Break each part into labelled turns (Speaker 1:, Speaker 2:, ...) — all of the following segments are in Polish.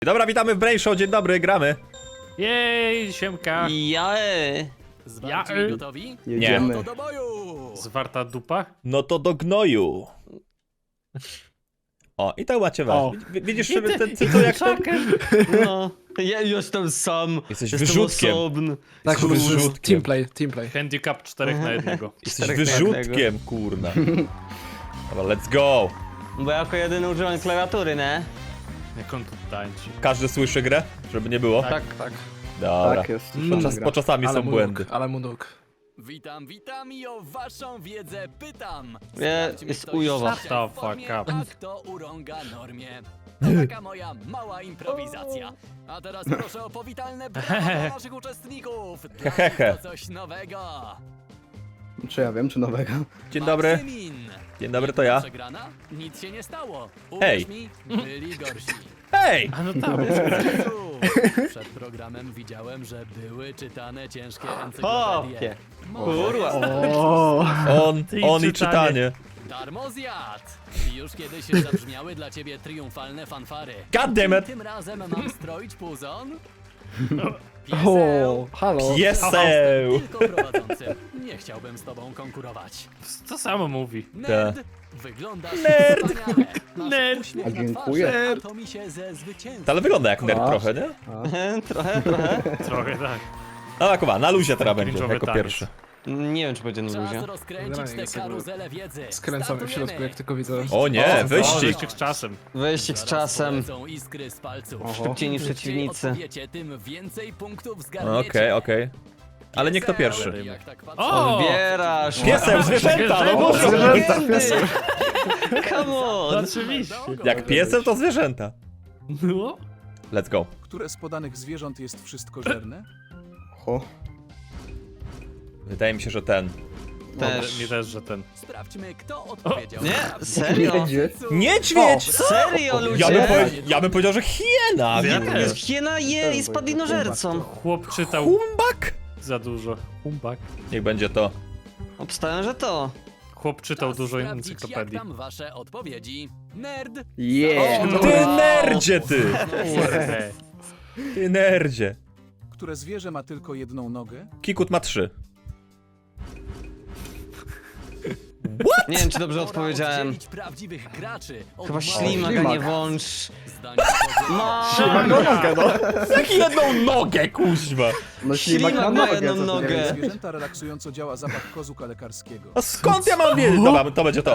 Speaker 1: Dobra, witamy w Brain Show, dzień dobry, gramy.
Speaker 2: Jej, siemka.
Speaker 3: Zwarci gotowi?
Speaker 4: Jedziemy.
Speaker 3: No to do boju!
Speaker 2: Zwarta dupa?
Speaker 1: No to do gnoju. O, i tak macie was.
Speaker 4: O.
Speaker 1: Widzisz sobie ten cycu jak ten?
Speaker 4: No, ja jestem sam.
Speaker 1: Jesteś
Speaker 4: jestem
Speaker 1: wyrzutkiem.
Speaker 4: osobny.
Speaker 5: Tak,
Speaker 1: Kurde,
Speaker 5: to jest
Speaker 1: wyrzutkiem.
Speaker 5: teamplay.
Speaker 2: Handicap 4 na jednego.
Speaker 1: Jesteś
Speaker 4: Czterech na
Speaker 1: wyrzutkiem, kurna. Dobra, let's go.
Speaker 4: Bo ja jako jedyny używam klawiatury, nie?
Speaker 2: Jak on tu tańczy.
Speaker 1: Każdy słyszy grę? Żeby nie było?
Speaker 5: Tak.
Speaker 1: Dobra.
Speaker 4: Tak jest.
Speaker 1: Bo czasami są błędy.
Speaker 5: Ale mu nóg.
Speaker 3: Witam i o waszą wiedzę pytam.
Speaker 4: Nie,
Speaker 3: Sprawdźmy,
Speaker 4: jest
Speaker 3: kto
Speaker 4: ujowa.
Speaker 3: się
Speaker 2: Shut the
Speaker 3: w formie,
Speaker 2: fuck up.
Speaker 3: a kto urąga normie. To taka moja mała improwizacja. A teraz proszę o powitalne brawa dla naszych uczestników. Dla nich to coś nowego.
Speaker 6: Czy ja wiem, czy nowego?
Speaker 1: Dzień dobry.
Speaker 3: Maksymin.
Speaker 1: Dzień dobry, to ja.
Speaker 3: Przegrana? Nic się nie stało.
Speaker 1: Hej.
Speaker 3: Uwierz mi, byli gorsi.
Speaker 1: Hej!
Speaker 2: A no tam.
Speaker 3: Przed programem widziałem, że były czytane ciężkie
Speaker 4: Hopie.
Speaker 3: encyklopedie.
Speaker 4: Kurwa.
Speaker 1: On i czytanie.
Speaker 3: Darmozjad! I już kiedyś zabrzmiały dla ciebie triumfalne fanfary.
Speaker 1: God damn it!
Speaker 3: Tym razem mam stroić puzon?
Speaker 5: O, halo.
Speaker 1: Pieseł!
Speaker 3: Tylko prowadzącym. Nie chciałbym z tobą konkurować.
Speaker 2: To samo mówi.
Speaker 3: Nerd! Wyglądasz
Speaker 1: Nerd.
Speaker 3: wspaniale. Masz
Speaker 2: Nerd.
Speaker 3: uśmiech
Speaker 6: A
Speaker 3: na
Speaker 6: dziękuję.
Speaker 3: twarzy, a to mi się ze zwycięstwa.
Speaker 1: Ale wygląda jak nerd
Speaker 6: A.
Speaker 1: trochę, nie?
Speaker 4: Trochę.
Speaker 2: Trochę tak.
Speaker 1: No Kuba, na luzie teraz będzie,
Speaker 2: Cringe'owy
Speaker 1: jako
Speaker 2: taniec.
Speaker 1: pierwszy.
Speaker 4: Nie wiem, czy będzie na
Speaker 3: Czas
Speaker 4: luzie.
Speaker 3: rozkręcić
Speaker 5: Generalnie
Speaker 3: tę
Speaker 5: jest jakby
Speaker 3: karuzelę wiedzy.
Speaker 5: Skręcamy w środku,
Speaker 3: Startujemy.
Speaker 5: jak tylko widzę.
Speaker 1: O nie, wyścig!
Speaker 2: Wyścig z czasem.
Speaker 4: Wyścig z
Speaker 3: Zaraz
Speaker 4: czasem.
Speaker 3: polecą iskry z palców.
Speaker 4: Szybciej niż
Speaker 3: Szybciej
Speaker 4: przeciwnicy.
Speaker 3: odpowiecie, tym więcej punktów zgarniecie.
Speaker 1: Okej. Ale nie kto pierwszy.
Speaker 3: Jak tak patrzę,
Speaker 2: O!
Speaker 4: Odbierasz.
Speaker 1: Piesem, zwierzęta, no muszą!
Speaker 4: Come on.
Speaker 2: Oczywiście.
Speaker 1: Jak piesem, to zwierzęta.
Speaker 2: No.
Speaker 1: Let's go.
Speaker 7: Które z podanych zwierząt jest wszystkożerne?
Speaker 6: Ho.
Speaker 1: Wydaje mi się, że ten.
Speaker 4: Też.
Speaker 2: Mi też, że ten.
Speaker 3: Sprawdźmy, kto odpowiedział.
Speaker 4: Nie?
Speaker 3: prawdę.
Speaker 4: Serio?
Speaker 6: Niedźwiedź.
Speaker 1: Niedźwiedź!
Speaker 4: Serio, ludzie?
Speaker 1: Ja bym powiedział, że hiena!
Speaker 2: Ja
Speaker 1: kurde.
Speaker 4: Jest hiena je i spadlinożercą.
Speaker 2: Chłop czytał
Speaker 1: Humbak?
Speaker 2: za dużo. Humbak.
Speaker 1: Niech będzie to.
Speaker 4: Obstałem, że to.
Speaker 2: Chłop czytał
Speaker 3: Czas
Speaker 2: dużo
Speaker 3: sprawdzić,
Speaker 2: encyklopedii.
Speaker 3: Jak tam wasze odpowiedzi? Nerd!
Speaker 6: Yeah.
Speaker 1: Ty nerdzie, ty!
Speaker 2: Kurde.
Speaker 1: Ty nerdzie.
Speaker 7: Które zwierzę ma tylko jedną nogę?
Speaker 1: Kikut ma 3.
Speaker 4: Nie wiem, czy dobrze
Speaker 3: Pora
Speaker 4: odpowiedziałem.
Speaker 3: oddzielić prawdziwych graczy od
Speaker 4: Chyba
Speaker 3: małych.
Speaker 4: ślimaka nie włącz.
Speaker 3: Zdanie powodzenia.
Speaker 4: Ma.
Speaker 6: Nogę, no.
Speaker 1: Jak jedną nogę, kuźwa!
Speaker 6: No ślimak
Speaker 4: Ślimak
Speaker 6: ma
Speaker 4: ma
Speaker 6: nogę.
Speaker 4: jedną
Speaker 6: co ty
Speaker 4: nogę.
Speaker 6: wiesz?
Speaker 7: Zwierzęta relaksująco działa zapach kozuka lekarskiego.
Speaker 1: A skąd ja mam wiedzieć? Dobra, to będzie to.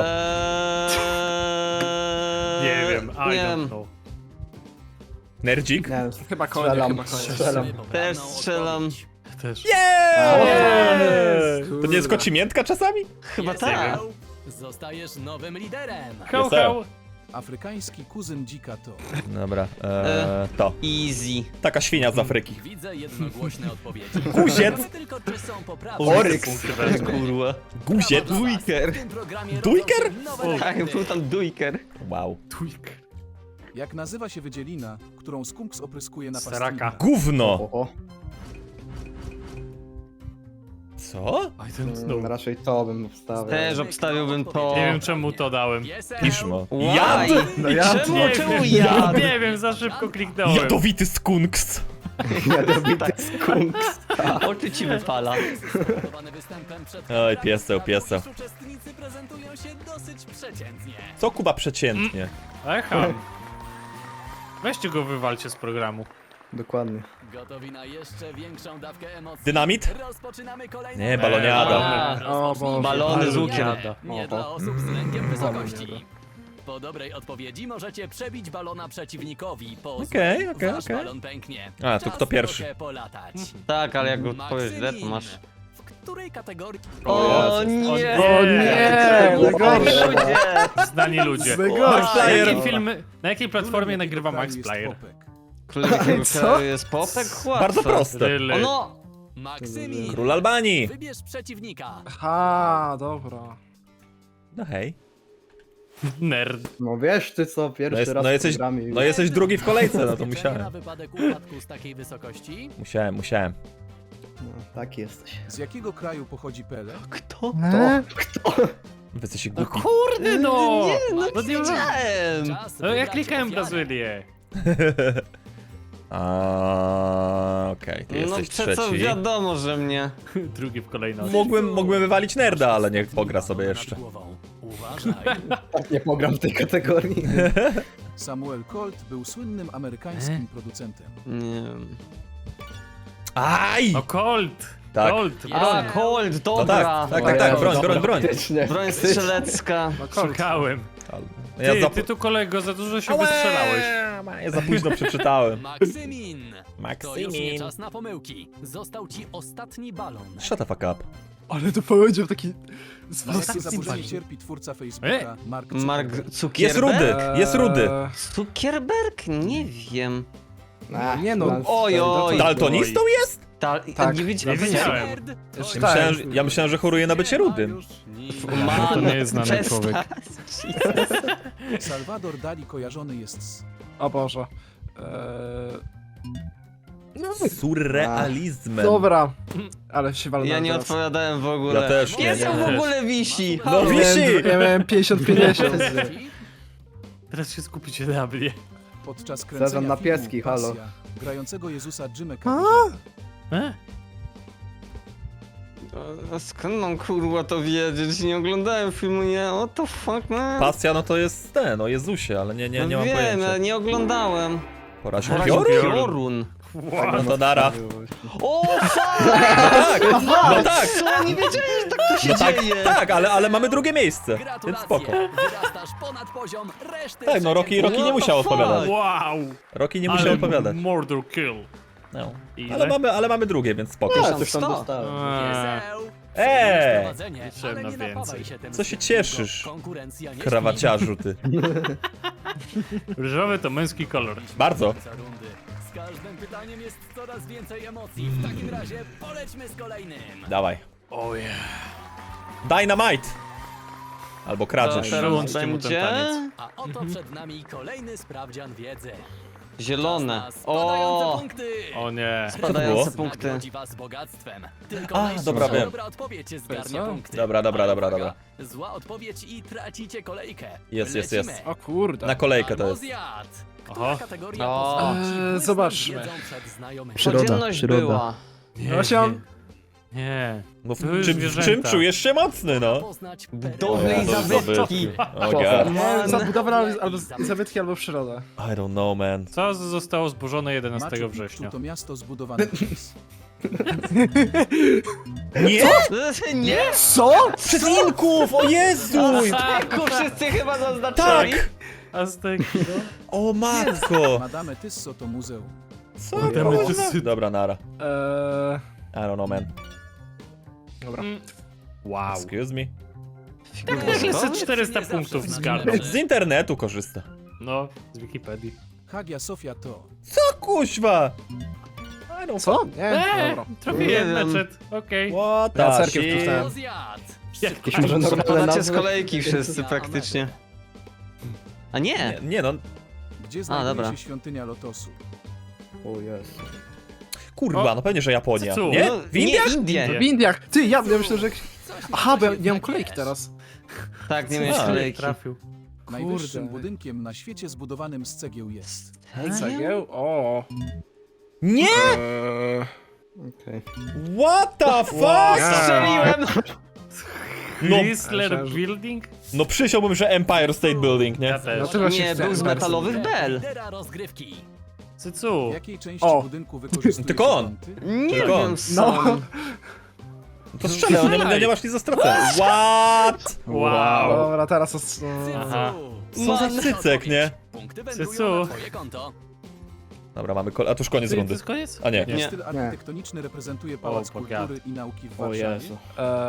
Speaker 2: Nie wiem, I
Speaker 4: Nie
Speaker 2: don't
Speaker 4: wiem.
Speaker 2: know.
Speaker 1: Nerdzik?
Speaker 6: Nie,
Speaker 5: Chyba konie,
Speaker 6: strzelam,
Speaker 5: chyba konie.
Speaker 6: strzelam.
Speaker 3: Poprawną
Speaker 4: Też strzelam.
Speaker 3: odpowiedź.
Speaker 2: Też.
Speaker 1: Jeeeey! To nie jest kocimiętka czasami?
Speaker 4: Chyba
Speaker 3: Jest
Speaker 4: tak.
Speaker 3: Eł. Zostajesz nowym liderem.
Speaker 2: Hał, hał.
Speaker 7: Afrykański kuzyn dzika to.
Speaker 1: Dobra, to.
Speaker 4: Easy.
Speaker 1: Taka świnia z Afryki.
Speaker 3: Widzę jednogłośne odpowiedzi.
Speaker 1: Guziec.
Speaker 3: Ciekawe tylko, czy są poprawne.
Speaker 6: Oryx.
Speaker 4: Kurwa.
Speaker 1: Guziec.
Speaker 4: Dujker.
Speaker 3: W tym programie
Speaker 1: Dujker?
Speaker 3: rodzą się nowe
Speaker 4: Tak,
Speaker 3: rekordy.
Speaker 4: był tam dujker.
Speaker 1: Wow.
Speaker 2: Twik.
Speaker 7: Jak nazywa się wydzielina, którą skunks opryskuje na
Speaker 2: Saraka.
Speaker 1: Gówno!
Speaker 6: Oho.
Speaker 1: Co?
Speaker 2: I don't know.
Speaker 6: Raczej to bym wstawiał.
Speaker 4: Też obstawiłbym to.
Speaker 2: Nie wiem czemu to dałem.
Speaker 3: Piesek.
Speaker 1: Piszmo.
Speaker 4: Why?
Speaker 1: Jad!
Speaker 6: No ja
Speaker 4: Czemu?
Speaker 2: Nie
Speaker 4: Czemu
Speaker 2: wiem,
Speaker 4: jad?
Speaker 2: nie wiem, za szybko kliknąłem.
Speaker 1: Jadowity skunks!
Speaker 6: jadowity skunks.
Speaker 4: Oczy ci wypala.
Speaker 3: Spowodowany występem przed
Speaker 1: Oj,
Speaker 3: kamerami
Speaker 1: pieseł,
Speaker 3: sprawił,
Speaker 1: pieseł.
Speaker 3: iż uczestnicy prezentują się dosyć przeciętnie.
Speaker 1: Co Kuba przeciętnie?
Speaker 2: Echa. Weźcie go, wywalcie z programu.
Speaker 6: Dokładnie.
Speaker 3: Gotowi na jeszcze większą dawkę emocji?
Speaker 1: Dynamit?
Speaker 3: Rozpoczynamy kolejną...
Speaker 1: Nie, baloniada.
Speaker 4: A,
Speaker 5: O Boże.
Speaker 4: balony z łukiem.
Speaker 2: Baloniada.
Speaker 3: Nie dla osób z lękiem wysokości. Po dobrej odpowiedzi możecie przebić balona przeciwnikowi. Po
Speaker 1: Okej,
Speaker 3: złej
Speaker 1: okej,
Speaker 3: wasz
Speaker 1: okej.
Speaker 3: balon pęknie.
Speaker 1: A, to
Speaker 3: Czas
Speaker 1: kto pierwszy?
Speaker 3: trochę polatać.
Speaker 4: Tak, ale jak go odpowiesz źle, to
Speaker 3: Maksymin,
Speaker 4: masz.
Speaker 3: w której kategorii...
Speaker 4: O
Speaker 1: Jezus.
Speaker 4: nie!
Speaker 2: O
Speaker 5: nie!
Speaker 6: Najgorsze.
Speaker 4: Ludzie!
Speaker 2: Znani ludzie.
Speaker 5: Najgorsze.
Speaker 2: Na
Speaker 1: Player.
Speaker 2: jakiej filmy, na jakiej platformie
Speaker 7: Królem
Speaker 2: nagrywa
Speaker 7: jakiego
Speaker 2: Max
Speaker 7: kraju
Speaker 2: Player?
Speaker 7: jest popek?
Speaker 4: Królem jakiego
Speaker 5: Co?
Speaker 4: kraju jest popek? Łatwe.
Speaker 1: Bardzo proste.
Speaker 2: Really?
Speaker 4: O no!
Speaker 3: Maksymin,
Speaker 1: Król Albanii!
Speaker 3: wybierz przeciwnika.
Speaker 5: Aha, dobra.
Speaker 1: No hej.
Speaker 2: Nerd.
Speaker 6: No wiesz ty co,
Speaker 1: No,
Speaker 6: pierwszy
Speaker 1: jest,
Speaker 6: raz
Speaker 1: no, jesteś,
Speaker 6: w programie.
Speaker 1: no jesteś drugi w kolejce, no to
Speaker 3: Zabezpieczenie
Speaker 1: musiałem.
Speaker 3: na wypadek upadku z takiej wysokości?
Speaker 1: Musiałem.
Speaker 6: No, taki jesteś.
Speaker 7: Z jakiego kraju pochodzi Pele?
Speaker 4: Kto?
Speaker 1: Wy jesteście
Speaker 2: No
Speaker 1: głupi.
Speaker 2: kurde no!
Speaker 4: Nie, no
Speaker 2: No nie ma-
Speaker 4: wiedziałem!
Speaker 3: Czas
Speaker 2: No ja
Speaker 3: wybrać
Speaker 2: klikałem
Speaker 3: ofiarę.
Speaker 2: Brazylię.
Speaker 1: Okej, ty
Speaker 4: No
Speaker 1: jesteś
Speaker 4: przecież
Speaker 1: trzeci.
Speaker 4: wiadomo, że mnie.
Speaker 2: Drugi w kolejności.
Speaker 1: Mógłbym wywalić nerda, ale niech pogra sobie
Speaker 3: Nad
Speaker 1: jeszcze.
Speaker 3: głową. Uważaj.
Speaker 6: Tak nie pogram w tej kategorii.
Speaker 7: Samuel Colt był słynnym amerykańskim producentem.
Speaker 4: Nie wiem.
Speaker 1: Aj!
Speaker 2: No Colt!
Speaker 1: Tak.
Speaker 2: Colt!
Speaker 4: A, Colt,
Speaker 1: No
Speaker 4: dobra.
Speaker 1: tak, broń.
Speaker 6: Faktycznie.
Speaker 4: Broń strzelecka.
Speaker 5: No Colt.
Speaker 2: Szukałem.
Speaker 1: Ja
Speaker 2: Ty,
Speaker 1: za...
Speaker 2: ty tu kolego za dużo się wystrzelałeś.
Speaker 1: Ja za późno przeczytałem.
Speaker 3: Maksymin! To już nie
Speaker 1: Maksymin.
Speaker 3: czas na pomyłki. Został ci ostatni balon.
Speaker 1: Shut the fuck up.
Speaker 5: Ale to powiedział taki...
Speaker 7: Na jakie zaburzenie cierpi twórca Facebooka Mark
Speaker 4: Mark
Speaker 7: Zuckerberg?
Speaker 4: Zuckerberg?
Speaker 1: Jest rudy, jest rudy.
Speaker 4: Zuckerberg? Nie wiem.
Speaker 5: Nie no.
Speaker 4: Oj, oj.
Speaker 1: Daltonistą jest?
Speaker 5: Tak.
Speaker 4: Nie
Speaker 2: Nie
Speaker 4: wiedziałem.
Speaker 2: wiedziałem.
Speaker 3: Nerd, to
Speaker 5: Jeszcze
Speaker 3: jest-
Speaker 5: tak.
Speaker 1: Ja myślałem, że choruje na bycie
Speaker 3: Nie ma
Speaker 1: rudym.
Speaker 3: już nic.
Speaker 4: Man,
Speaker 2: To nie jest znany
Speaker 4: przestań.
Speaker 2: człowiek.
Speaker 7: Salvador Dali kojarzony jest z...
Speaker 5: O Boże.
Speaker 1: Surrealizmem.
Speaker 5: Dobra. Ale się walnąłem
Speaker 4: Ja nie
Speaker 5: teraz.
Speaker 4: odpowiadałem w ogóle.
Speaker 1: Ja też nie,
Speaker 4: Piesek
Speaker 1: nie.
Speaker 4: w ogóle wisi.
Speaker 1: No
Speaker 4: Halo.
Speaker 1: wisi!
Speaker 5: Ja miałem 50-50.
Speaker 2: Teraz się skupicie na mnie.
Speaker 7: Podczas
Speaker 6: Zazam
Speaker 7: kręcenia
Speaker 6: na
Speaker 7: filmu
Speaker 6: pieski, halo.
Speaker 7: Pasja, grającego Jezusa Jimmy
Speaker 4: A skąd mam kurwa to wiedzieć? Nie oglądałem filmu, nie? What the fuck, man?
Speaker 1: Pasja, no to jest ten, o Jezusie, ale nie mam
Speaker 4: Wiem,
Speaker 1: pojęcia.
Speaker 4: ale nie oglądałem.
Speaker 1: Poraził
Speaker 4: Poraził
Speaker 1: piorun?
Speaker 4: piorun.
Speaker 1: No to nara.
Speaker 4: O, fuck!
Speaker 1: No tak!
Speaker 4: Co? Nie wiedziałem, że tak to się
Speaker 1: No tak,
Speaker 4: dzieje.
Speaker 1: tak, ale mamy drugie miejsce, więc
Speaker 3: Gratulacje!
Speaker 1: spoko.
Speaker 3: Wyrastasz ponad poziom reszty
Speaker 1: Tak, no Rocky
Speaker 3: przeciętnych.
Speaker 1: nie musiał
Speaker 4: What the
Speaker 1: odpowiadać.
Speaker 2: Wow!
Speaker 1: Rocky nie musiał odpowiadać.
Speaker 2: Murder kill.
Speaker 1: No.
Speaker 2: Ile?
Speaker 1: Ale mamy drugie, więc spoko.
Speaker 6: A, coś tam
Speaker 4: 100.
Speaker 6: dostałem.
Speaker 3: Pieseł,
Speaker 1: Eee!
Speaker 3: prowadzenie,
Speaker 2: Liczyłem
Speaker 3: ale
Speaker 2: na
Speaker 3: nie
Speaker 2: więcej.
Speaker 3: napawaj się tym
Speaker 1: Co się
Speaker 3: smutnym,
Speaker 1: cieszysz,
Speaker 3: bo konkurencja nie
Speaker 1: Krawaciarzu ty.
Speaker 2: Różowy to męski kolor.
Speaker 1: Bardzo.
Speaker 3: śpi. Rundy. Z każdym pytaniem jest coraz więcej emocji. W takim razie polećmy z kolejnym.
Speaker 1: Dawaj.
Speaker 2: Ojej.
Speaker 1: Dynamite! Albo kradzież.
Speaker 2: Teraz
Speaker 4: Teraz
Speaker 2: mu ten
Speaker 4: będzie
Speaker 2: taniec.
Speaker 3: A oto przed nami kolejny sprawdzian wiedzy.
Speaker 4: zielone.
Speaker 3: Czas na spadające
Speaker 4: O,
Speaker 3: punkty.
Speaker 2: O nie.
Speaker 4: spadające
Speaker 1: było?
Speaker 4: punkty.
Speaker 3: Nagrodzi was bogactwem. Tylko
Speaker 1: A,
Speaker 3: najszybsza
Speaker 1: dobra, wiem.
Speaker 3: dobra odpowiedź zgarnia
Speaker 5: Co?
Speaker 3: punkty.
Speaker 1: Dobra.
Speaker 3: Ale uwaga, zła odpowiedź i tracicie kolejkę.
Speaker 1: Jest.
Speaker 3: Lecimy.
Speaker 5: O kurde.
Speaker 1: Na kolejkę to jest.
Speaker 3: Almozjad.
Speaker 2: Oho.
Speaker 3: Która kategoria
Speaker 4: O.
Speaker 3: pozwoli ci błysnąć
Speaker 5: Zobaczmy.
Speaker 3: wiedzą przed znajomymi?
Speaker 6: Przyroda,
Speaker 4: Codzienność
Speaker 6: przyroda.
Speaker 4: była.
Speaker 2: Nie,
Speaker 5: Właśnie on-
Speaker 2: nie.
Speaker 1: No w
Speaker 2: Były
Speaker 1: czym
Speaker 2: zwierzęta.
Speaker 1: czujesz się mocny, no?
Speaker 3: Poznać
Speaker 4: Budowle i
Speaker 1: O, to
Speaker 4: zabytki.
Speaker 1: O god.
Speaker 5: Nie, zabudowę albo zabytki, albo przyrodę.
Speaker 1: I don't know, man.
Speaker 2: Co zostało zburzone 11
Speaker 7: Machu Picchu
Speaker 2: września?
Speaker 7: to miasto zbudowane przez...
Speaker 1: Nie!
Speaker 4: Nie?
Speaker 5: Co?
Speaker 1: Przez Inków! O Jezu!
Speaker 4: Ku wszyscy chyba zaznaczyli.
Speaker 1: Tak!
Speaker 2: Azteki.
Speaker 1: O matko!
Speaker 7: Madame Tysso to muzeum.
Speaker 1: Co?
Speaker 2: Madame
Speaker 1: kurwa?
Speaker 2: Tussauds.
Speaker 1: Dobra, nara.
Speaker 5: Eee,
Speaker 1: I don't know, man.
Speaker 5: dobra.
Speaker 2: Wow.
Speaker 1: Excuse me.
Speaker 2: Też jeszcze
Speaker 4: Co?
Speaker 2: 400
Speaker 3: Nie
Speaker 2: punktów
Speaker 3: zawsze
Speaker 2: zgarnął.
Speaker 3: znamy.
Speaker 1: Z internetu korzysta.
Speaker 2: No, z Wikipedii.
Speaker 7: Hagia Sofia to...
Speaker 1: Co kuźwa? I don't
Speaker 5: Co? Nie, dobra.
Speaker 2: Trafiłem
Speaker 4: Nie
Speaker 2: na
Speaker 4: wiem.
Speaker 2: czat. Okej.
Speaker 1: What
Speaker 5: Ja
Speaker 1: the
Speaker 5: cerkiew
Speaker 1: shit?
Speaker 5: wpisałem.
Speaker 3: Almozjad.
Speaker 6: Jakieś może normalne
Speaker 4: Spadacie z
Speaker 6: nazwy?
Speaker 4: kolejki wszyscy praktycznie. A nie!
Speaker 1: Nie no,
Speaker 7: Gdzie znajduje
Speaker 4: dobra.
Speaker 7: się świątynia Lotosu?
Speaker 6: O Jezu.
Speaker 1: kurwa,
Speaker 2: O.
Speaker 1: no pewnie, że Japonia.
Speaker 2: Co?
Speaker 1: Nie?
Speaker 4: No,
Speaker 1: W Indiach?
Speaker 4: Nie, Indie.
Speaker 5: W Indiach. Ty, ja myślę, że...
Speaker 3: Coś
Speaker 5: Aha, bo ja
Speaker 3: nie
Speaker 5: nie mam
Speaker 3: wiesz.
Speaker 5: kolejki teraz.
Speaker 4: Tak, nie miałeś
Speaker 1: A.
Speaker 4: kolejki.
Speaker 2: Trafił.
Speaker 7: Najwyższym budynkiem na świecie zbudowanym z cegieł jest...
Speaker 5: Cegieł? O.
Speaker 1: Nie!
Speaker 6: Okej.
Speaker 1: What the fuck?
Speaker 4: Strzeliłem!
Speaker 1: No,
Speaker 2: Chrysler Building?
Speaker 1: no przysiąłbym, że Empire State Building, nie?
Speaker 2: Ja też.
Speaker 5: Dlaczego się
Speaker 4: Nie, był z metalowych bel.
Speaker 3: Lidera rozgrywki.
Speaker 2: Cycu.
Speaker 7: W jakiej części
Speaker 1: O.
Speaker 7: budynku wykorzystuje
Speaker 1: Tylko
Speaker 7: się
Speaker 1: on.
Speaker 7: kąty?
Speaker 4: Nie
Speaker 1: Tylko on.
Speaker 4: wiem sam.
Speaker 1: To strzelę, nie masz nic za stracę. What?
Speaker 2: Wow.
Speaker 5: Dobra, teraz...
Speaker 2: Aha.
Speaker 1: Co za cycek, nie?
Speaker 3: Punkty
Speaker 2: Cycu.
Speaker 3: wędrują na twoje konto.
Speaker 1: Dobra, mamy a to już koniec
Speaker 2: To
Speaker 1: rundy.
Speaker 2: jest koniec?
Speaker 1: A nie.
Speaker 4: Nie.
Speaker 7: Styl architektoniczny reprezentuje Pałac
Speaker 2: bogat.
Speaker 7: Kultury i Nauki w
Speaker 6: O
Speaker 7: Warszawie.
Speaker 6: Jezu.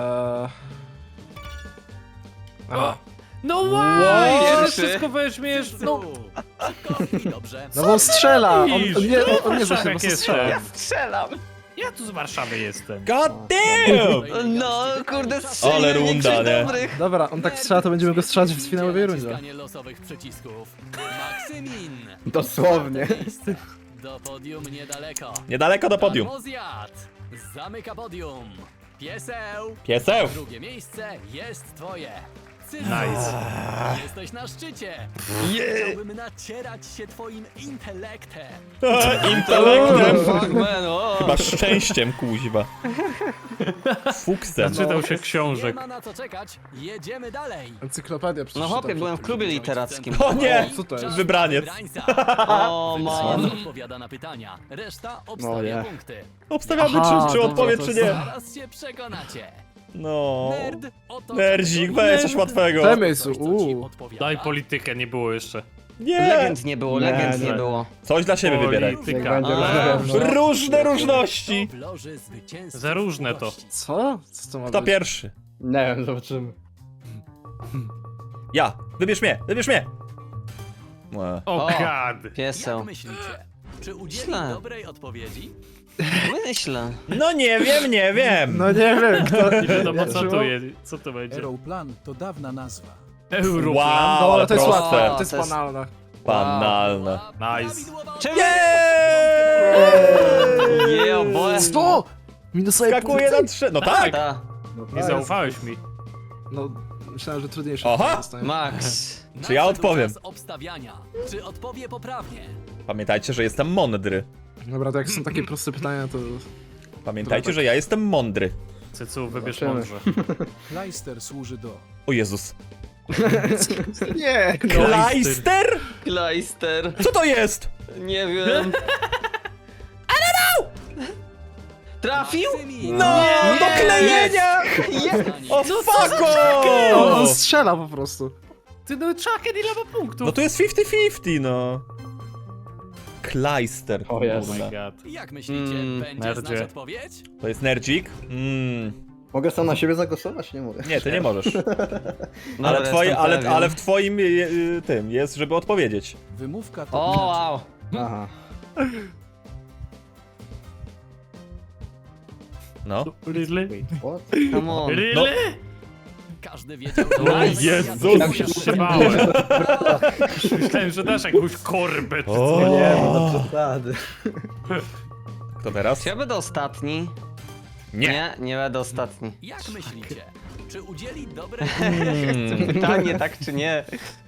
Speaker 5: Aha.
Speaker 2: No wow!
Speaker 4: Pierwszy.
Speaker 2: Wszystko weźmiesz. No.
Speaker 3: Szybko i dobrze.
Speaker 5: No bo on strzela! On nie
Speaker 2: Warszawiak
Speaker 5: zacznie, po prostu strzela.
Speaker 2: jestem.
Speaker 4: Strzelam!
Speaker 2: Ja tu z Warszawy jestem.
Speaker 1: God damn!
Speaker 4: No, kurde,
Speaker 1: Ale
Speaker 4: strzeliłem
Speaker 1: runda,
Speaker 4: większość
Speaker 1: nie?
Speaker 4: dobrych.
Speaker 5: Dobra, on tak strzela, to będziemy go strzelać w finałowej rundzie.
Speaker 3: Naciskanie losowych przycisków. Maksymin.
Speaker 6: Dosłownie.
Speaker 3: Miejsce. Do podium niedaleko.
Speaker 1: Niedaleko do podium.
Speaker 3: Almozjad. Zamyka podium. Pieseł.
Speaker 1: Pieseł!
Speaker 3: Drugie miejsce jest twoje.
Speaker 2: Nice.
Speaker 3: Jesteś na szczycie. Chciałbym nacierać się twoim intelektem.
Speaker 1: Intelektem.
Speaker 4: Fuck man, o!
Speaker 1: Chyba szczęściem, kuźwa. Fuksem.
Speaker 2: Zaczytał się
Speaker 3: Nie
Speaker 2: książek.
Speaker 3: ma na co czekać, jedziemy dalej.
Speaker 5: Encyklopedia przeczytam.
Speaker 4: No hopie, byłem w klubie literackim.
Speaker 1: O nie!
Speaker 5: Co to jest?
Speaker 1: Wybraniec.
Speaker 3: Wybrańca.
Speaker 4: O
Speaker 3: Wybraniec
Speaker 4: man.
Speaker 3: odpowiada na pytania. Reszta
Speaker 6: No
Speaker 3: obstawia
Speaker 6: nie.
Speaker 3: punkty.
Speaker 1: Obstawiamy,
Speaker 5: Aha,
Speaker 1: czy
Speaker 5: dobra,
Speaker 1: odpowie,
Speaker 5: to
Speaker 1: czy
Speaker 5: jest-
Speaker 1: nie.
Speaker 3: Zaraz się przekonacie.
Speaker 1: No.
Speaker 3: Nerd, oto
Speaker 1: Nerdzik, weź coś łatwego.
Speaker 5: Przemysł,
Speaker 3: Coś, co ci odpowiada.
Speaker 2: Daj politykę, nie było jeszcze.
Speaker 1: Nie!
Speaker 4: Legend nie było, legend nie
Speaker 6: nie.
Speaker 4: było.
Speaker 1: Coś dla siebie wybieraj.
Speaker 2: Polityka.
Speaker 6: będzie
Speaker 4: A,
Speaker 6: różne.
Speaker 1: Różne różności.
Speaker 3: W loży zwycięzców
Speaker 2: Za różne to.
Speaker 3: gości.
Speaker 5: Co? Co to ma
Speaker 1: Kto
Speaker 5: być?
Speaker 1: pierwszy?
Speaker 6: Nie wiem, zobaczymy.
Speaker 1: Ja. Wybierz mnie, wybierz mnie. Łe.
Speaker 2: O
Speaker 4: O.
Speaker 2: god.
Speaker 3: Jak
Speaker 4: Pieseł.
Speaker 3: myślicie? Czy udzieli
Speaker 4: Myślę.
Speaker 3: dobrej odpowiedzi?
Speaker 4: Myślę.
Speaker 1: No nie wiem, nie wiem.
Speaker 5: No nie wiem, kto...
Speaker 2: Nie wiadomo co
Speaker 5: Szymon?
Speaker 2: to jest, co to będzie.
Speaker 7: Aeroplan to dawna nazwa.
Speaker 2: Europlan.
Speaker 1: Wow,
Speaker 5: No,
Speaker 1: ale
Speaker 5: ale to jest
Speaker 1: proste.
Speaker 5: łatwe, to
Speaker 4: To
Speaker 5: jest
Speaker 4: jest-
Speaker 5: banalne.
Speaker 1: Banalne.
Speaker 2: Nice.
Speaker 4: Czemu?
Speaker 1: Jeee!
Speaker 4: Yeah, boy.
Speaker 5: 100! Minusowe
Speaker 1: Skakuje
Speaker 5: punkty?
Speaker 1: na 3. No tak.
Speaker 4: Ta,
Speaker 2: Nie zaufałeś mi.
Speaker 5: No, myślałem, że trudniejsze
Speaker 1: Aha.
Speaker 5: dostanie.
Speaker 4: Max.
Speaker 1: Czy ja
Speaker 3: Nadszedł
Speaker 1: odpowiem?
Speaker 3: czas obstawiania. Czy odpowie poprawnie?
Speaker 1: Pamiętajcie, że jestem mądry.
Speaker 5: Dobra, to jak są takie proste pytania, to...
Speaker 1: Pamiętajcie, że ja jestem mądry.
Speaker 2: Cycu, wybierz
Speaker 6: Zobaczymy.
Speaker 2: mądrze.
Speaker 7: Kleister służy do
Speaker 1: O Jezus.
Speaker 5: Nie!
Speaker 1: Kleister?
Speaker 4: Kleister.
Speaker 1: Co to jest?
Speaker 4: Nie wiem. Trafił?
Speaker 3: Maksymin.
Speaker 1: No, do klejenia! O fuck
Speaker 5: On
Speaker 1: off!
Speaker 5: strzela po prostu.
Speaker 2: Ty no Chucken, ile ma punktów?
Speaker 1: No to jest 50-50, no. Kleister.
Speaker 6: O jest.
Speaker 2: Oh my god.
Speaker 3: Jak myślicie, będzie
Speaker 2: nerdzie.
Speaker 3: znać odpowiedź?
Speaker 1: To jest nerdzik?
Speaker 6: Mogę sam na siebie zagłosować? Nie mogę.
Speaker 1: Nie, ty nie możesz.
Speaker 4: Dobra,
Speaker 1: Ale,
Speaker 4: jestem pewien.
Speaker 1: ale w twoim tym jest, żeby odpowiedzieć.
Speaker 7: wymówka to
Speaker 4: O,
Speaker 7: inaczej.
Speaker 4: wow.
Speaker 6: Aha.
Speaker 1: No.
Speaker 2: Really?
Speaker 6: What?
Speaker 4: Come on.
Speaker 2: Really?
Speaker 3: Każdy wiedział,
Speaker 2: O
Speaker 3: że
Speaker 2: Jezus,
Speaker 6: Tak się
Speaker 2: trzymałem. Myślałem, że dasz jakąś korbę czy
Speaker 1: O,
Speaker 2: coś.
Speaker 6: Nie, no to przesady.
Speaker 1: Kto teraz?
Speaker 4: Czy ja będę ostatni?
Speaker 1: Nie.
Speaker 4: Nie będę ostatni.
Speaker 3: Jak myślicie? Czy udzieli dobrej
Speaker 4: Pytanie, tak czy nie?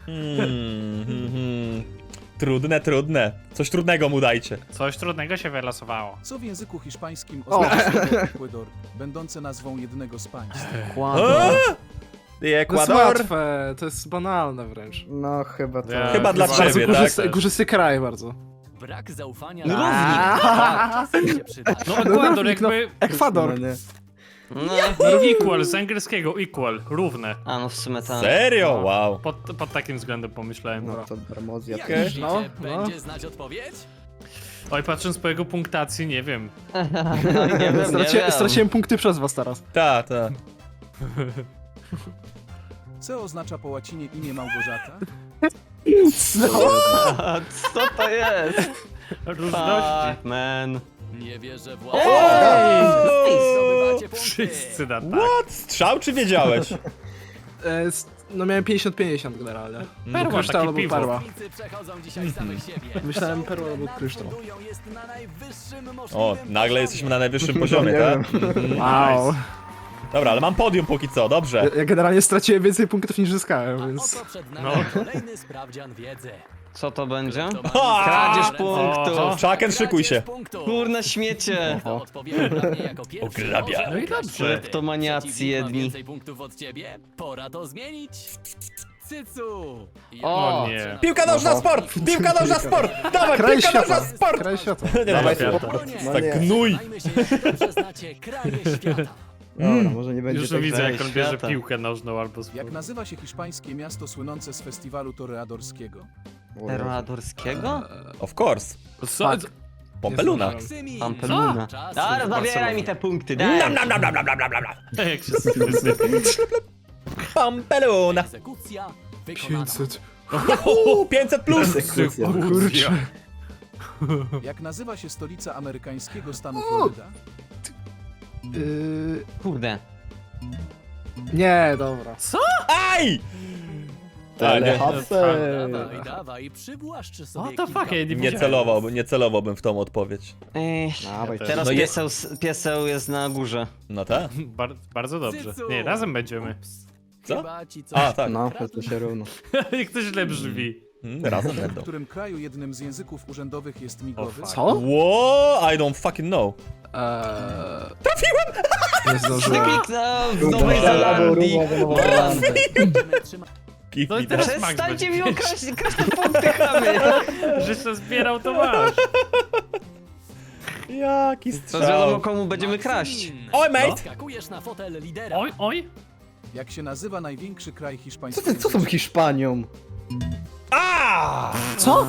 Speaker 1: Trudne, trudne. Coś trudnego mu dajcie.
Speaker 2: Coś trudnego się wylosowało.
Speaker 7: Co w języku hiszpańskim
Speaker 5: O.
Speaker 7: oznacza słowo Ecuador, będące nazwą jednego z państw?
Speaker 4: Kłamie.
Speaker 1: I
Speaker 5: To jest
Speaker 1: Ekwador?
Speaker 5: łatwe, to jest banalne wręcz.
Speaker 6: No chyba to.
Speaker 2: Ja-
Speaker 1: Chyba dla
Speaker 2: Bardzo
Speaker 1: ciebie,
Speaker 5: Górzysty,
Speaker 1: tak?
Speaker 5: górzysty kraj bardzo.
Speaker 3: brak zaufania?
Speaker 4: Równik.
Speaker 3: Czasem się przyda.
Speaker 2: No Ekwador
Speaker 5: równik, no.
Speaker 2: jakby...
Speaker 5: Ekwador.
Speaker 6: No nie.
Speaker 4: No.
Speaker 2: Equal, z angielskiego equal, równe.
Speaker 4: A no w sumie tak.
Speaker 1: Serio? Wow.
Speaker 2: Pod takim względem pomyślałem.
Speaker 6: No to Bermozja.
Speaker 3: Jak
Speaker 1: Okej.
Speaker 3: myślicie,
Speaker 5: No,
Speaker 3: będzie znać odpowiedź?
Speaker 2: Oj, patrząc po jego punktacji, nie wiem.
Speaker 4: No, nie wiem, nie wiem.
Speaker 5: Straciłem punkty przez was teraz.
Speaker 1: Ta, ta.
Speaker 7: C oznacza po łacinie imię Małgorzata?
Speaker 4: A, co to jest?
Speaker 2: Różności.
Speaker 4: Fuck, man.
Speaker 3: Nie wierzę w
Speaker 1: Ej!
Speaker 3: Zdobywacie punkty.
Speaker 2: Wszyscy na tak.
Speaker 1: What? Strzał czy wiedziałeś?
Speaker 5: No miałem 50-50 generalnie.
Speaker 2: Perła,
Speaker 5: Kryształ
Speaker 2: takie
Speaker 5: albo
Speaker 2: piwo.
Speaker 5: perła.
Speaker 3: Zawodnicy przechodzą dzisiaj samych siebie.
Speaker 5: Myślałem
Speaker 3: Show,
Speaker 5: perła
Speaker 3: które
Speaker 5: albo kryształ.
Speaker 3: nadbudują, jest na najwyższym
Speaker 1: O,
Speaker 3: możliwym
Speaker 1: nagle
Speaker 3: poziomie.
Speaker 1: jesteśmy na najwyższym poziomie,
Speaker 6: nie
Speaker 1: tak?
Speaker 5: Wow.
Speaker 1: Dobra, ale mam podium póki co, dobrze.
Speaker 5: Ja generalnie straciłem więcej punktów niż zyskałem,
Speaker 3: A
Speaker 5: więc...
Speaker 3: oto przed nami
Speaker 2: No.
Speaker 3: kolejny sprawdzian wiedzy.
Speaker 4: Co to będzie?
Speaker 3: Kto ma
Speaker 1: Ha!
Speaker 4: Kradzież
Speaker 3: ręce?
Speaker 4: punktów.
Speaker 1: Chucken, szykuj się.
Speaker 3: Kradzież punktów.
Speaker 4: Kurna śmiecie.
Speaker 3: Kto odpowie poprawnie jako pierwszy,
Speaker 1: Ograbia.
Speaker 3: może
Speaker 2: No i
Speaker 3: wygrać
Speaker 2: dobrze.
Speaker 3: punkty.
Speaker 4: Kleptomaniacy
Speaker 3: Przeciwnik ma
Speaker 4: jedni.
Speaker 3: więcej punktów od ciebie? Pora to zmienić. Cycu!
Speaker 4: O,
Speaker 2: nie.
Speaker 1: Piłka nożna sport! Piłka nożna sport! Dawaj,
Speaker 5: Kraj
Speaker 1: piłka nożna
Speaker 5: świata.
Speaker 1: sport!
Speaker 5: Kraj świata.
Speaker 1: Nie,
Speaker 6: Dawaj,
Speaker 1: dobra,
Speaker 6: spoko.
Speaker 3: No
Speaker 1: tak
Speaker 6: nie.
Speaker 1: gnój.
Speaker 3: Zajmę się, jak dobrze znacie kraje świata.
Speaker 6: Dobra, może nie będzie
Speaker 2: Już
Speaker 6: tak
Speaker 2: widzę,
Speaker 6: źle.
Speaker 2: jak on bierze
Speaker 4: świata.
Speaker 2: piłkę nożną albo z...
Speaker 7: Jak nazywa się hiszpańskie miasto słynące z festiwalu toreadorskiego?
Speaker 6: O Jezu.
Speaker 4: Teradorskiego?
Speaker 1: Of course.
Speaker 2: Co?
Speaker 5: Fuck.
Speaker 1: Pompeluna.
Speaker 5: Nie
Speaker 3: Maksymin.
Speaker 4: Pampeluna.
Speaker 3: Czas
Speaker 4: Dobra,
Speaker 3: na
Speaker 4: zabieraj mi te punkty, daj.
Speaker 1: Nam, nam, nam, nam, nam, nam, nam, nam.
Speaker 2: Jak się sypie.
Speaker 1: Pompeluna.
Speaker 3: egzekucja wykonana.
Speaker 5: 500.
Speaker 1: 500 plus.
Speaker 6: Egzekucja.
Speaker 5: Kurczę.
Speaker 7: Jak nazywa się stolica amerykańskiego stanu Floryda?
Speaker 4: Kurde.
Speaker 5: Nie, dobra.
Speaker 1: Aj!
Speaker 6: Telehapsy.
Speaker 3: Dawaj, dawaj, przywłaszcz sobie
Speaker 2: What the
Speaker 3: kilka
Speaker 2: fuck, ja nie
Speaker 1: Nie celowałbym w tą odpowiedź.
Speaker 4: Ej,
Speaker 6: Dawaj,
Speaker 4: teraz
Speaker 1: No
Speaker 4: pieseł jest na górze.
Speaker 1: No tak?
Speaker 2: Bardzo dobrze.
Speaker 3: Cycu.
Speaker 2: Nie, razem będziemy.
Speaker 1: Co?
Speaker 3: Chyba ci coś
Speaker 1: A, tak.
Speaker 6: No, to się równo.
Speaker 2: Jak to źle brzmi.
Speaker 1: Razem
Speaker 7: W
Speaker 1: będą.
Speaker 7: którym kraju jednym z języków urzędowych jest migowy?
Speaker 2: fuck.
Speaker 5: Co?
Speaker 1: Whoa, I don't fucking know.
Speaker 5: Trafiłem! Nie zdążyłem.
Speaker 4: Kliknął w Nowej Zelandii.
Speaker 3: będziemy trzymać.
Speaker 1: Give
Speaker 2: No
Speaker 1: me
Speaker 2: i
Speaker 1: that.
Speaker 2: teraz Max
Speaker 4: Przestańcie
Speaker 2: będzie.
Speaker 4: mi okraść punkty, chamy.
Speaker 2: Żeś to zbierał, to masz.
Speaker 1: Jaki
Speaker 4: To wiadomo
Speaker 1: strzał.
Speaker 4: komu będziemy kraść.
Speaker 3: Maksymin.
Speaker 1: Oj, mate!
Speaker 3: Skakujesz na fotel lidera.
Speaker 2: Oj, oj.
Speaker 7: Jak się nazywa największy kraj
Speaker 6: Co
Speaker 7: hiszpańskiego?
Speaker 6: ty, co tą Hiszpanią?
Speaker 1: A!
Speaker 5: Co?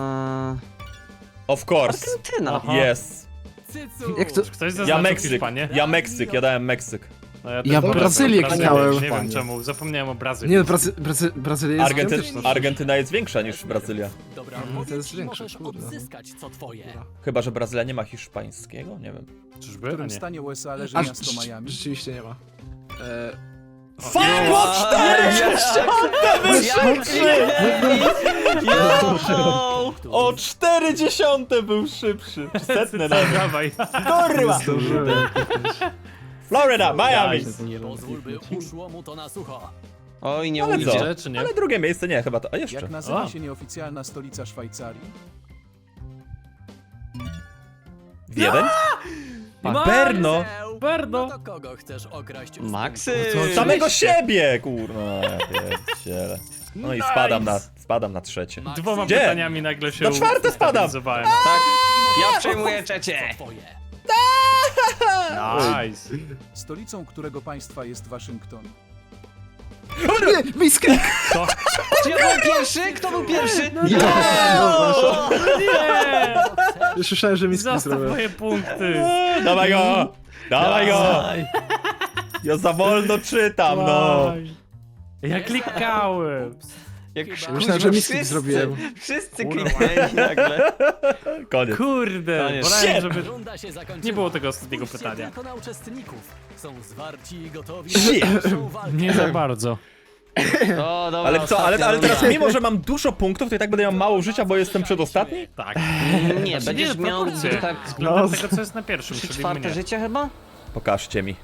Speaker 1: Of course.
Speaker 4: Argentyna.
Speaker 2: Aha.
Speaker 1: Yes.
Speaker 3: Cycu.
Speaker 5: Jak to-
Speaker 2: Ktoś
Speaker 1: Ja
Speaker 2: zaznaczył
Speaker 1: Meksyk.
Speaker 2: Hiszpanię?
Speaker 1: Ja dałem Meksyk.
Speaker 2: No
Speaker 5: Ja
Speaker 2: też
Speaker 5: Brazylię
Speaker 2: Brazylię.
Speaker 5: klikałem.
Speaker 2: Nie wiem czemu, zapomniałem o Brazylii.
Speaker 5: Nie no, Brazylia jest gigantyczna.
Speaker 1: Argentyna jest większa niż Brazylia.
Speaker 3: Dobra,
Speaker 5: to jest
Speaker 3: odpowiedź i
Speaker 5: większe,
Speaker 3: możesz
Speaker 5: kurde.
Speaker 3: odzyskać co twoje.
Speaker 1: Chyba, że Brazylia nie ma hiszpańskiego? Nie wiem.
Speaker 2: Czyżby?
Speaker 7: W
Speaker 2: A
Speaker 7: którym
Speaker 2: nie.
Speaker 7: stanie USA leży
Speaker 5: A,
Speaker 7: miasto Miami?
Speaker 5: rzeczywiście nie ma.
Speaker 1: Fuck! O 4! O 40 był szybszy. Czy setne nawet.
Speaker 2: Dawaj.
Speaker 1: Kurwa! Florida, Miami!
Speaker 3: Pozwól, by uszło mu to na sucho.
Speaker 4: Oj, nie
Speaker 1: Ale
Speaker 4: ujdzie.
Speaker 1: co?
Speaker 2: Idzie, czy nie?
Speaker 1: Ale drugie miejsce nie, chyba to. A jeszcze.
Speaker 7: Jak nazywa
Speaker 2: O.
Speaker 7: się nieoficjalna stolica Szwajcarii?
Speaker 1: Wiedeń?
Speaker 2: Max!
Speaker 1: Berno!
Speaker 3: No
Speaker 2: Berno!
Speaker 3: to kogo chcesz okraść?
Speaker 4: Maksy!
Speaker 1: Samego siebie, kurwa. Ja pierdzielę. No i spadam na trzecie.
Speaker 2: Dwoma
Speaker 1: Gdzie?
Speaker 2: pytaniami nagle się
Speaker 1: Na czwarte spadam.
Speaker 2: ustabilizowałem.
Speaker 4: Tak, ja przejmuję trzecie.
Speaker 3: Twoje.
Speaker 2: Nice.
Speaker 7: Stolicą którego państwa jest Waszyngton?
Speaker 5: Nie, Misklik!
Speaker 4: Czy ja byłem pierwszy? Kto był pierwszy?
Speaker 2: Nie!
Speaker 5: Już słyszałem, że Misklik
Speaker 2: Zostaw
Speaker 5: zrobił.
Speaker 2: moje punkty.
Speaker 1: Dawaj go! Dawaj go! Ja za wolno czytam, no!
Speaker 2: Dawaj. Ja klikałem.
Speaker 4: Jak
Speaker 5: Myślałem, że misklik zrobiłem.
Speaker 4: Wszyscy
Speaker 2: Kurwa.
Speaker 4: kliknęli nagle.
Speaker 1: Koniec.
Speaker 2: Kurde,
Speaker 4: Koniec.
Speaker 2: wolałem,
Speaker 1: Shit.
Speaker 2: żeby...
Speaker 3: Runda się zakończyła.
Speaker 2: Nie było tego ostatniego
Speaker 3: Spójrzcie
Speaker 2: pytania.
Speaker 3: tylko na uczestników. Są zwarci i gotowi
Speaker 1: Shit.
Speaker 3: na dalszą walkę.
Speaker 2: Nie za bardzo.
Speaker 4: O, dobra,
Speaker 1: Ale co, ale
Speaker 4: ostatnia
Speaker 1: teraz
Speaker 4: runda.
Speaker 1: mimo, że mam dużo punktów, to i tak będę miał mało życia, bo jestem przedostatni?
Speaker 2: Tak.
Speaker 4: Nie, będziesz miał
Speaker 2: proporcje.
Speaker 4: tak
Speaker 2: Względem tego, co jest na pierwszym, czyli
Speaker 4: czwarte
Speaker 2: mnie.
Speaker 4: życie chyba?
Speaker 1: Pokażcie mi.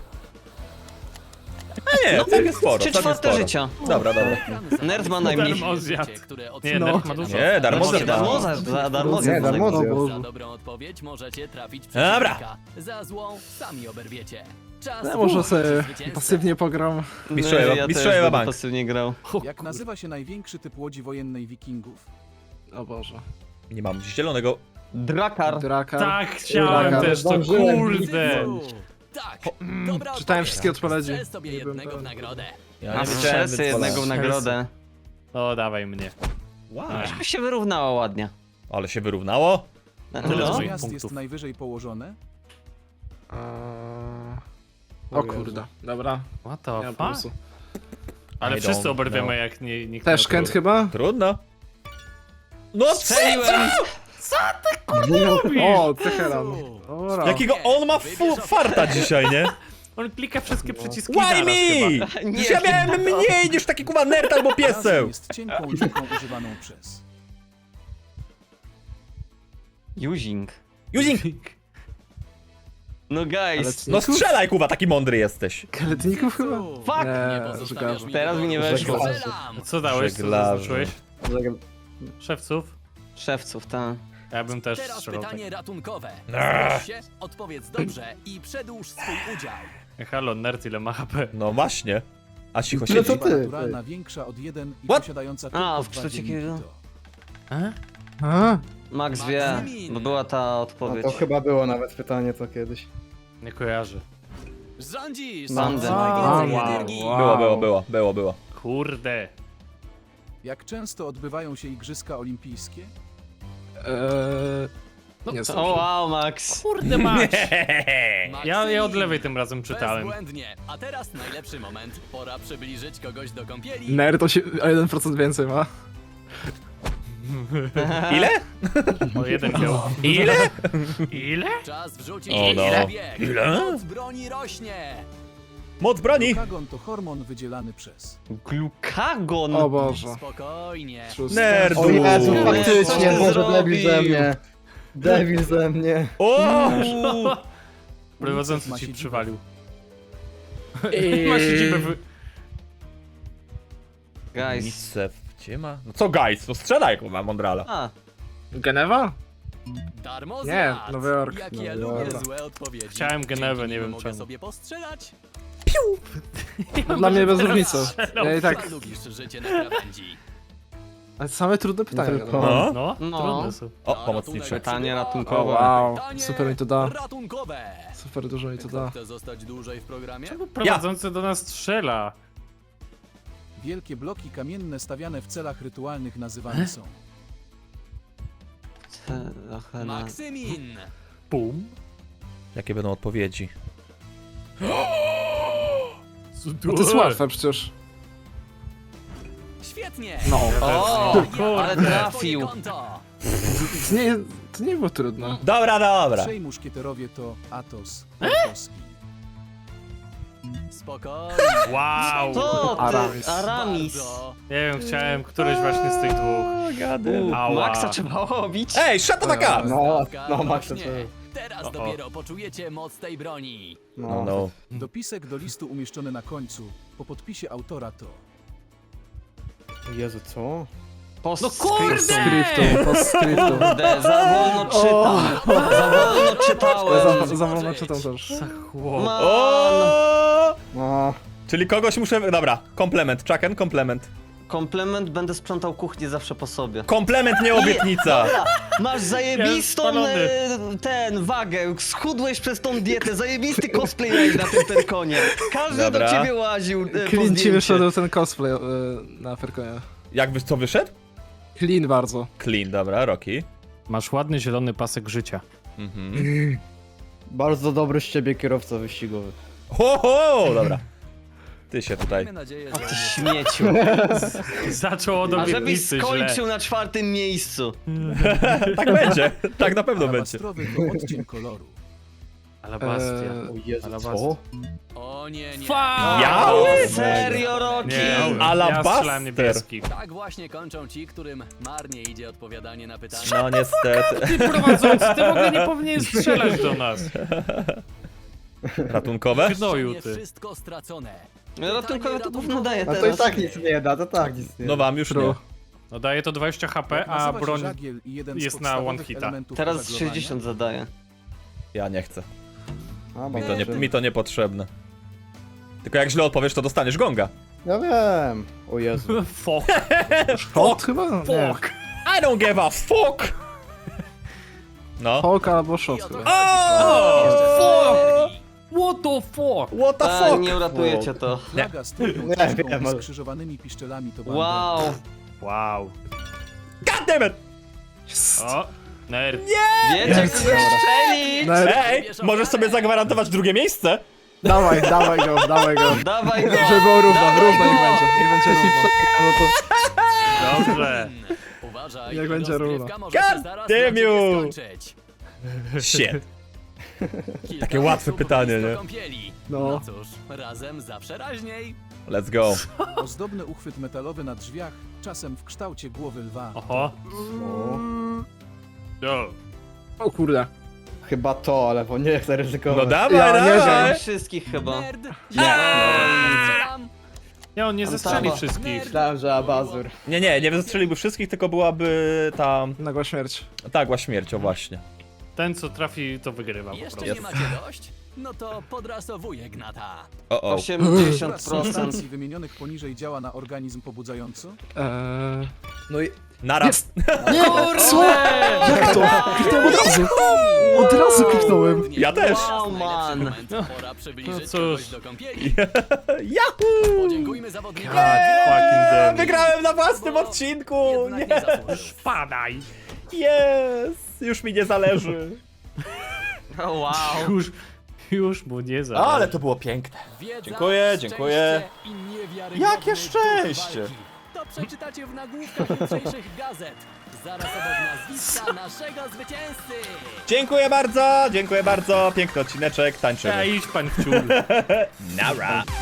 Speaker 1: A nie, tak jest sporo,
Speaker 4: Czy
Speaker 1: tak jest
Speaker 4: czwarte
Speaker 1: sporo.
Speaker 4: życia?
Speaker 1: Dobra, dobra.
Speaker 4: Nerd ma najmniej.
Speaker 2: Darmozjad.
Speaker 3: Które
Speaker 2: Nie,
Speaker 3: otrzymacie
Speaker 2: Nerd ma dużo.
Speaker 1: Nie, darmozjad ma.
Speaker 4: Darmozjad.
Speaker 6: Nie, darmozjad.
Speaker 3: Za dobrą odpowiedź możecie trafić
Speaker 1: Dobra.
Speaker 3: przeciwnika. Za złą sami oberwiecie. Czas
Speaker 5: Ja może
Speaker 3: wybrać
Speaker 5: sobie
Speaker 3: zwycięzcę.
Speaker 5: pasywnie pogram.
Speaker 1: Mistrzowie
Speaker 4: Ja
Speaker 1: mistrzowie
Speaker 4: też będę
Speaker 1: bank.
Speaker 4: pasywnie grał.
Speaker 7: Jak nazywa się największy typ łodzi wojennej wikingów?
Speaker 5: O Boże.
Speaker 1: Nie mam zielonego.
Speaker 4: Drakar.
Speaker 5: Drakar.
Speaker 2: Tak, chciałem
Speaker 5: Dobra,
Speaker 2: też to,
Speaker 6: zdążyłem.
Speaker 2: kurde.
Speaker 3: Cycu. Tak, dobra
Speaker 5: Czytałem
Speaker 3: odpowiedź.
Speaker 5: wszystkie odpowiedzi.
Speaker 3: Strzel sobie
Speaker 5: Nie byłem
Speaker 3: jednego w
Speaker 5: pewien.
Speaker 3: nagrodę.
Speaker 1: Ja
Speaker 4: A
Speaker 1: nie wiedziałem,
Speaker 4: wszyscy
Speaker 1: więc
Speaker 4: jednego w
Speaker 1: wolałem.
Speaker 4: nagrodę.
Speaker 2: O, dawaj mnie.
Speaker 1: Wow.
Speaker 4: To się wyrównało ładnie.
Speaker 1: Ale się wyrównało?
Speaker 2: Tyle
Speaker 7: Które
Speaker 2: z
Speaker 7: z
Speaker 2: moich
Speaker 7: miast jest
Speaker 2: punktów.
Speaker 7: najwyżej położone?
Speaker 5: O kurde, dobra.
Speaker 2: What
Speaker 5: Nie
Speaker 2: the
Speaker 5: mam
Speaker 2: fuck?
Speaker 5: pomysłu.
Speaker 2: Ale
Speaker 1: I
Speaker 2: wszyscy
Speaker 1: don't
Speaker 2: oberwiemy,
Speaker 1: know.
Speaker 2: jak nie, nikt
Speaker 5: Też
Speaker 2: nie
Speaker 5: Kent
Speaker 2: odrobi.
Speaker 5: chyba?
Speaker 1: Trudno. No
Speaker 4: Strzeliłem!
Speaker 5: O, Teheran. Dobra.
Speaker 1: Jakiego on ma farta dzisiaj, nie?
Speaker 2: On klika wszystkie przyciski
Speaker 1: Why
Speaker 2: naraz chyba.
Speaker 1: me?
Speaker 4: Nie,
Speaker 1: Ja miałem mniej niż taki kuba nerd albo
Speaker 7: Razem
Speaker 1: pieseł.
Speaker 7: jest cienką liczbą używaną przez.
Speaker 4: Using.
Speaker 1: Juzing,
Speaker 4: No guys.
Speaker 1: no strzelaj kuba, taki mądry jesteś.
Speaker 5: Kaletników chyba?
Speaker 4: Fuck!
Speaker 3: Nie
Speaker 5: Nie,
Speaker 3: pozostawiasz
Speaker 5: żeglarze.
Speaker 3: mi
Speaker 4: Teraz mi nie
Speaker 3: wyboru.
Speaker 4: weszło.
Speaker 3: Strzelam.
Speaker 2: Co dałeś? Co
Speaker 1: Żeglarze.
Speaker 2: zaznaczyłeś?
Speaker 6: Żegl-
Speaker 2: Szewców?
Speaker 4: Szewców, tak.
Speaker 2: Ja bym też
Speaker 3: Teraz
Speaker 2: strzelał
Speaker 3: pytanie
Speaker 2: tak.
Speaker 3: ratunkowe. Zgłoś się, odpowiedz dobrze i przedłuż swój udział.
Speaker 2: Halo, nerd, ile ma HP?
Speaker 1: No właśnie. A cicho
Speaker 6: No to
Speaker 1: siedzi.
Speaker 6: ty.
Speaker 7: Naturalna większa od 1 i
Speaker 1: What?
Speaker 7: posiadająca
Speaker 4: A,
Speaker 7: tylko
Speaker 4: w
Speaker 7: 2
Speaker 4: kształcie
Speaker 7: dzienniki
Speaker 4: jakiego?
Speaker 7: to.
Speaker 5: A?
Speaker 4: Max wie, bo była ta
Speaker 6: No
Speaker 4: odpowiedź.
Speaker 6: to chyba było nawet pytanie to kiedyś.
Speaker 2: Nie kojarzę.
Speaker 3: Rządzisz!
Speaker 4: Sądzę.
Speaker 3: Najwięcej
Speaker 2: Wow.
Speaker 3: energii.
Speaker 1: Było.
Speaker 2: Kurde.
Speaker 7: Jak często odbywają się Igrzyska Olimpijskie?
Speaker 5: Nie
Speaker 4: O
Speaker 5: znam.
Speaker 4: wow, Max.
Speaker 2: Kurde mać.
Speaker 3: Maksymin.
Speaker 2: Ja od lewej tym razem czytałem.
Speaker 3: Bezbłędnie. A teraz najlepszy moment. Pora przybliżyć kogoś do kąpieli.
Speaker 5: Nerd o 1% więcej ma.
Speaker 1: Ile?
Speaker 2: O, jeden miał.
Speaker 1: Ile?
Speaker 2: Ile?
Speaker 3: Czas wrzucić
Speaker 1: O no.
Speaker 3: na bieg.
Speaker 1: Ile?
Speaker 3: Moc broni rośnie.
Speaker 1: Moc broni.
Speaker 7: Glukagon to hormon wydzielany przez.
Speaker 4: Glukagon.
Speaker 5: O Boże.
Speaker 3: Spokojnie.
Speaker 1: Nerdu.
Speaker 6: O Jezu,
Speaker 4: Co
Speaker 6: faktycznie,
Speaker 4: ty
Speaker 6: Boże,
Speaker 4: zrobił?
Speaker 6: debil ze mnie. Debil ze mnie.
Speaker 1: O!
Speaker 2: Prowadzący
Speaker 7: Ma
Speaker 2: ci
Speaker 7: siedzibę.
Speaker 2: przywalił. Ma siedzibę w...
Speaker 4: Guys.
Speaker 1: Nicew, gdzie ma? No co guys? No strzelaj, kurwa, Mondrala.
Speaker 4: A,
Speaker 5: Genewa?
Speaker 3: Darmo
Speaker 5: Nie,
Speaker 3: zjadł.
Speaker 5: Nowy Jork.
Speaker 3: Jak
Speaker 6: Nowy
Speaker 3: ja
Speaker 6: Jork.
Speaker 3: lubię złe odpowiedzi.
Speaker 2: Chciałem Genewę,
Speaker 3: Dzięki
Speaker 2: nie
Speaker 3: nim
Speaker 2: wiem
Speaker 3: mogę
Speaker 2: czemu.
Speaker 3: sobie postrzelać.
Speaker 5: No, dla mnie bez różnicy. Ja i tak...
Speaker 3: A lubisz życie na krawędzi.
Speaker 5: Ale same trudne pytania.
Speaker 6: Tylko-
Speaker 5: No.
Speaker 1: No.
Speaker 2: No,
Speaker 4: No.
Speaker 2: trudne są.
Speaker 1: O,
Speaker 3: Na
Speaker 1: pomocniczy.
Speaker 3: ratunek
Speaker 4: Pytanie
Speaker 3: przybywa
Speaker 4: ratunkowe.
Speaker 5: Wow,
Speaker 3: pytanie
Speaker 5: super mi to da.
Speaker 3: ratunkowe.
Speaker 5: Super dużo mi to
Speaker 3: Kto
Speaker 5: da.
Speaker 3: chce zostać dłużej w programie?
Speaker 2: Prowadzący do nas strzela.
Speaker 7: Wielkie bloki kamienne stawiane w celach rytualnych nazywane są.
Speaker 3: Maksymin.
Speaker 2: Bum.
Speaker 1: Jakie będą odpowiedzi?
Speaker 5: No to jest łatwe przecież.
Speaker 3: Świetnie.
Speaker 5: No.
Speaker 4: O,
Speaker 3: Ja
Speaker 4: ale
Speaker 3: mam
Speaker 4: trafił.
Speaker 3: swoje konto.
Speaker 5: To nie było trudne.
Speaker 1: Dobra, dobra.
Speaker 7: Trzej muszkieterowie to Athos, Porthos i...
Speaker 3: Spokojnie.
Speaker 2: Wow.
Speaker 4: To ty,
Speaker 5: Aramis.
Speaker 4: Aramis.
Speaker 3: Bardzo.
Speaker 2: Nie wiem, chciałem któryś właśnie z tych dwóch.
Speaker 1: Gady.
Speaker 2: Ała.
Speaker 4: Maxa trzeba obić.
Speaker 1: Ej, shut the fuck up!
Speaker 6: No,
Speaker 3: Stawka
Speaker 6: no Max, to
Speaker 3: rośnie. Teraz dopiero poczujecie moc tej broni.
Speaker 1: No, no.
Speaker 7: Dopisek do listu umieszczony na końcu, po podpisie autora to...
Speaker 6: Jezu, co?
Speaker 5: Postscriptum, postscriptum.
Speaker 4: Kurde, za wolno czytam. Za wolno czytałem.
Speaker 5: Za wolno czytam też.
Speaker 2: Chłop.
Speaker 4: Man.
Speaker 1: O!
Speaker 6: No,
Speaker 1: Czyli kogoś muszę... Dobra, komplement, Chucken, komplement.
Speaker 4: Komplement, będę sprzątał kuchnię zawsze po sobie.
Speaker 1: Komplement, nie obietnica.
Speaker 4: Masz zajebistą
Speaker 2: spalony.
Speaker 4: ten wagę, schudłeś przez tą dietę, zajebisty cosplay miałeś na tym Perkonie. Każdy
Speaker 1: Dobra.
Speaker 4: do ciebie łaził po
Speaker 5: Clean ci
Speaker 4: zdjęcie.
Speaker 5: wyszedł ten cosplay na Ferkonie.
Speaker 1: Jakby co wyszedł?
Speaker 5: Clean bardzo.
Speaker 1: Clean, dobra, Rocky.
Speaker 2: Masz ładny zielony pasek życia.
Speaker 1: Mhm.
Speaker 6: bardzo dobry z ciebie kierowca wyścigowy.
Speaker 1: Ho, ho, dobra. Ty się tutaj...
Speaker 3: Miejmy nadzieję,
Speaker 4: Ty
Speaker 3: że...
Speaker 4: śmieciu.
Speaker 2: Zaczął od
Speaker 4: A żebyś
Speaker 2: obietnicy źle.
Speaker 4: skończył na 4. miejscu.
Speaker 1: Tak będzie, tak na pewno będzie.
Speaker 7: Alabastrowy to odcień koloru.
Speaker 2: Alabastia.
Speaker 6: O Jezu,
Speaker 2: Alabasta.
Speaker 6: co?
Speaker 3: O nie, nie.
Speaker 1: Ja?
Speaker 4: Serio, Rocky?
Speaker 2: Nie, ja
Speaker 1: Alabaster.
Speaker 2: strzelałem niebieski.
Speaker 3: Tak właśnie kończą ci, którym marnie idzie odpowiadanie na pytania.
Speaker 1: No niestety.
Speaker 2: Ty prowadzący, ty w ogóle nie powinien strzelać do nas.
Speaker 1: Ratunkowe?
Speaker 2: Gnoju
Speaker 3: Nie
Speaker 2: ty.
Speaker 3: wszystko stracone.
Speaker 4: Ratunkowe to gówno daje
Speaker 6: A to i
Speaker 4: teraz.
Speaker 6: tak nic nie da, to tak nic nie da.
Speaker 1: No wam już nie.
Speaker 5: True.
Speaker 2: No daje to 20 HP,
Speaker 7: Jak
Speaker 2: a
Speaker 7: nazywa się
Speaker 2: broń...
Speaker 7: żagiel i jeden z
Speaker 2: jest na
Speaker 7: podstawowych
Speaker 2: one hita.
Speaker 7: elementów
Speaker 4: Teraz
Speaker 7: żaglowania?
Speaker 4: 60 zadaje.
Speaker 1: Ja nie chcę.
Speaker 6: A,
Speaker 1: Mi to niepotrzebne. Tylko jak źle odpowiesz, to dostaniesz gonga.
Speaker 6: Ja wiem. O Jezu.
Speaker 2: Fuck.
Speaker 5: Shot chyba? Nie.
Speaker 1: I don't give a fuck! No.
Speaker 5: Hulk albo shot
Speaker 3: I oto
Speaker 5: chyba.
Speaker 1: O!
Speaker 2: What the fuck?
Speaker 1: What the
Speaker 4: A,
Speaker 1: fuck?
Speaker 4: nie uratujecie to.
Speaker 7: Flaga z trójką
Speaker 6: Nie
Speaker 7: czaszką
Speaker 6: wiem,
Speaker 7: i
Speaker 6: ale-
Speaker 7: skrzyżowanymi piszczelami to banda.
Speaker 4: Wow.
Speaker 2: Wow.
Speaker 1: God damn it!
Speaker 2: O, nerd.
Speaker 4: Wiecie, kogo strzeli?
Speaker 5: No,
Speaker 1: Ej, możesz sobie zagwarantować drugie miejsce?
Speaker 5: dawaj go, dawaj go.
Speaker 4: Dawaj go.
Speaker 5: Żeby było równo,
Speaker 4: Dawaj
Speaker 5: równo
Speaker 4: go.
Speaker 5: niech będzie. Niech będzie równo. No to...
Speaker 2: Dobrze.
Speaker 3: Uważaj,
Speaker 5: Jak będzie
Speaker 3: rozgrywka
Speaker 5: równo.
Speaker 3: może się
Speaker 1: God
Speaker 3: zaraz
Speaker 1: damn
Speaker 3: na ciebie
Speaker 1: you.
Speaker 3: skończyć.
Speaker 1: Shit.
Speaker 3: Kilka
Speaker 1: Takie łatwe
Speaker 3: osób
Speaker 1: pytanie,
Speaker 3: blisko
Speaker 1: nie?
Speaker 3: Kąpieli.
Speaker 5: No.
Speaker 3: No cóż, razem zawsze raźniej.
Speaker 1: Let's go.
Speaker 7: Ozdobny uchwyt metalowy na drzwiach, czasem w kształcie głowy lwa.
Speaker 2: Oho.
Speaker 6: O,
Speaker 2: Jo.
Speaker 5: O kurde.
Speaker 6: chyba to, ale bo nie chcę ryzykować.
Speaker 1: No dawaj,
Speaker 5: Ja nie
Speaker 1: dawaj!
Speaker 4: Wszystkich chyba.
Speaker 3: Nerd.
Speaker 1: Nie.
Speaker 3: Strzelam.
Speaker 2: Nie, on nie zestrzeli
Speaker 4: Antaba.
Speaker 2: wszystkich.
Speaker 6: Myślałem, że Abazur.
Speaker 1: Nie zastrzeliłby wszystkich, tylko byłaby ta...
Speaker 5: Nagła śmierć.
Speaker 1: Nagła śmierć, o właśnie.
Speaker 2: Ten, co trafi, to wygrywa po
Speaker 3: Jeszcze
Speaker 2: prostu.
Speaker 3: nie macie dość? No to podrasowuję Gnata.
Speaker 1: O.
Speaker 4: 80%.
Speaker 7: Substancji wymienionych poniżej działa na organizm pobudzająco?
Speaker 6: No i...
Speaker 1: Naraz.
Speaker 5: Nie, co? Jak to? Kliknąłem od razu. Od razu kliknąłem.
Speaker 1: Ja też.
Speaker 4: Wow, man.
Speaker 3: Pora przybliżyć
Speaker 2: No cóż.
Speaker 3: kogoś do kąpieli.
Speaker 1: Yahoo!
Speaker 3: Podziękujmy zawodnikom.
Speaker 2: fucking damn.
Speaker 1: Wygrałem na własnym odcinku!
Speaker 3: Jednak
Speaker 1: Nie!
Speaker 3: nie zasłużył.
Speaker 2: Padaj.
Speaker 1: Yes! Już mi nie zależy.
Speaker 4: Wow.
Speaker 2: Już mu nie zależy.
Speaker 1: Ale to było piękne.
Speaker 3: Wiedza,
Speaker 1: Dziękuję, dziękuję.
Speaker 3: szczęście i niewiarygodny
Speaker 1: Jakie
Speaker 3: duch
Speaker 1: szczęście!
Speaker 3: walki. To przeczytacie w nagłówkach jutrzejszych gazet. Zaraz obok nazwiska naszego zwycięzcy.
Speaker 1: Dziękuję bardzo, piękny odcineczek, tańczymy.
Speaker 2: Ja idź pan w ciul.
Speaker 1: Nara.